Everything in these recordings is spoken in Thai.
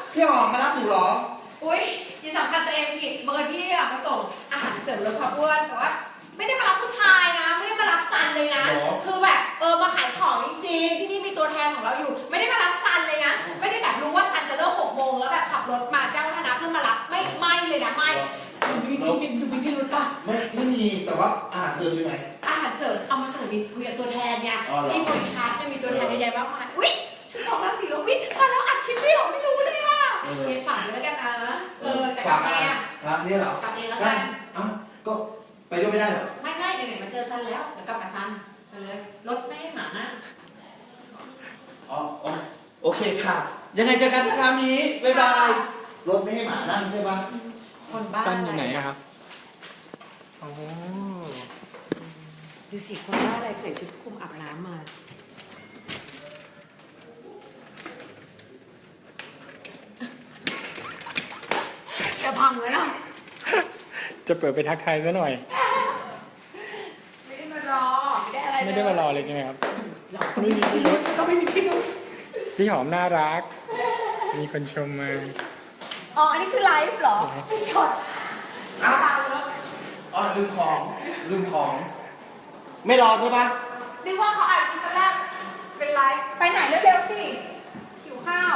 พี่หอมมารับหนูเหรออุ้ยอย่าสำคัญตัวเองผิดเบอร์ที่อะมาส่งอาหารเสริมลดความอ้วนแต่ว่าไม่ได้มารับผู้ชายนะไม่ได้มารับซันเลยนะคือแบบมาขายของจริงๆที่นี่มีตัวแทนของเราอยู่ไม่ได้มารับซันเลยนะไม่ได้แบบรู้ว่าซันจะเลิก6 โมงแล้วแบบขับรถมาเจ้าวัฒนะเพื่อมารับไม่เลยนะไม่ดูมีพิรุธป่ะไม่มีแต่ว่าอาหารเสริมอยู่ไหนอาหารเสริมเอามาส่งดิคุยกับตัวแทนเนี่ยที่บริษัทมีตัวแทนใหญ่ๆมากมายอุ้ย12 ราศีแล้ววิตอนแล้วอัดคลิปไม่ออกไม่รู้เลยอ่ะฝากด้วยกันนะแต่กับเองนี่เหรอกับเองแล้วกันก็ไปด้วยไม่ได้เหรอไม่ไหนๆมาเจอซันแล้วเดี๋ยวกลับกับซันไปเลยรถไม่ให้หมานะโอเคค่ะยังไงเจอกันนะคะมีบ๊ายบายรถไม่ให้หมานั่งใช่ปะคนบ้าซันอยู่ไหนครับอ๋อดูสิคนบ้าอะไรใส่ชุดคลุมอาบน้ำมาจะพังเลยนะจะเปิดไปทักทายซะหน่อยไม่ได้มารอไม่ได้อะไรไม่ได้มารอเลยใช่ไหมครับไม่มีพี่รุธก็ไม่มีพี่รุธพี่หอมน่ารักมีคนชมมาอันนี้คือไลฟ์เหรอไม่สดลืมของไม่รอใช่ปะนึกว่าเขาอ่านตอนแรกเป็นไลฟ์ไปไหนเร็วๆสิหิวข้าว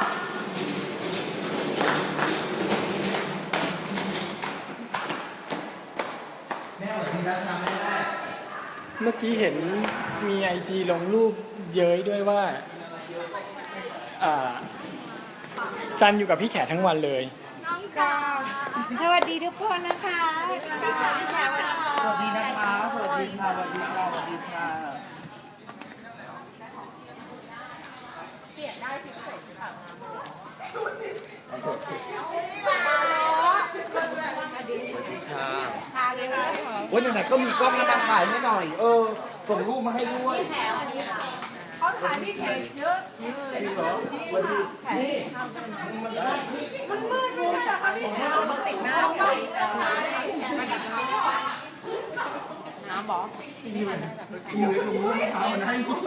แม่แบบนี้แล้วทำไม่ได้เมื่อกี้เห็นมีIGลงรูปเย้ยด้วยว่าซันอยู่กับพี่แขกทั้งวันเลยน้องกาสวัสดีทุกคนนะคะสวัสดีนะคะสวัสดีค่ะสวัสดีค่ะสวัสดีค่ะเปลี่ยนได้สิใส่ชุดอาบน้ำมาวันไหนก็มีกล้องมาถ่ายให้หน่อยส่งรูปมาให้ด้วยเขาถ่ายพี่แขกเยอะจริงเหรอวันนี้นี่มันมืดไม่ใช่หรอคะพี่แขกมันติดหน้าไปน้ำบอกอยู่ในถุงมือเท้ามันให้กู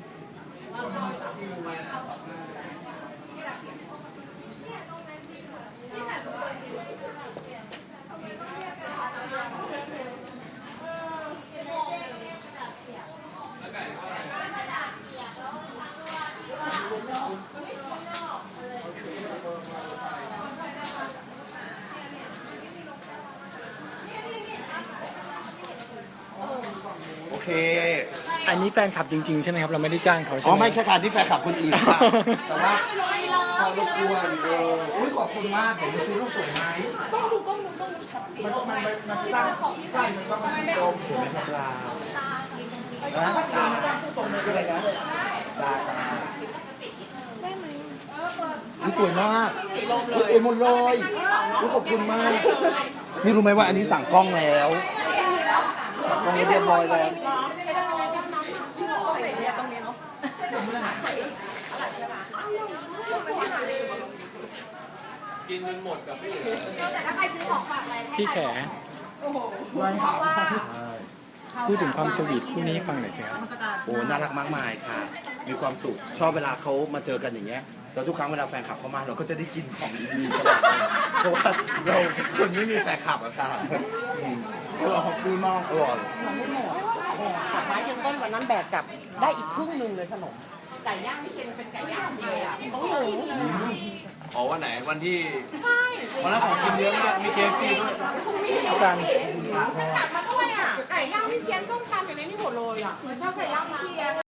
โอเคอันนี้แฟนคลับจริงๆใช่ไหมครับเราไม่ได้จ้างเขาใช่ไหมไม่ใช่ค่ะที่แฟนคลับคนอื่นค่ะแต่ว่าพอรบกวนขอบคุณมากผมจะซื้อรูปสวยไหมต้องชัดเจนมันตั้งใช่มันต้องมันตรงถูกไหมครับลาตรงคืออะไรนะลาสวยมากสวยหมดเลยขอบคุณมากนี่รู้ไหมว่าอันนี้สั่งกล้องแล้วสั่งกล้องเรียบร้อยแล้วกินมันหมดกับพี่แต่ถ้าใครซื้อของฝากอะไรพี่แขพูดถึงความสวีทคู่นี้ฟังหน่อยสิครับโอ้น่ารักมากมายค่ะมีความสุขชอบเวลาเขามาเจอกันอย่างเงี้ยแล้วทุกครั้งเวลาแฟนคลับเข้ามาเราก็จะได้กินของดีๆตลอดเพราะว่าเราคนไม่มีแฟนคลับอะค่ะเราขอบคุณมากอร่อยผักไม้ยืนต้นวันนั้นแบกกลับได้อีกครึ่งนึงเลยขนมไก่ย่างไม่เค็มเป็นไก่ย่างเลยอ่ะต้องหมูวันไหนวันที่วันนั้นของกินเยอะมากมีเคฟซีด้วยซันกลับมาด้วยอ่ะไก่ย่างพี่เชียนต้มตำอย่างนี้นี่หมดเลยอ่ะชอบไก่ย่างพี่เชียน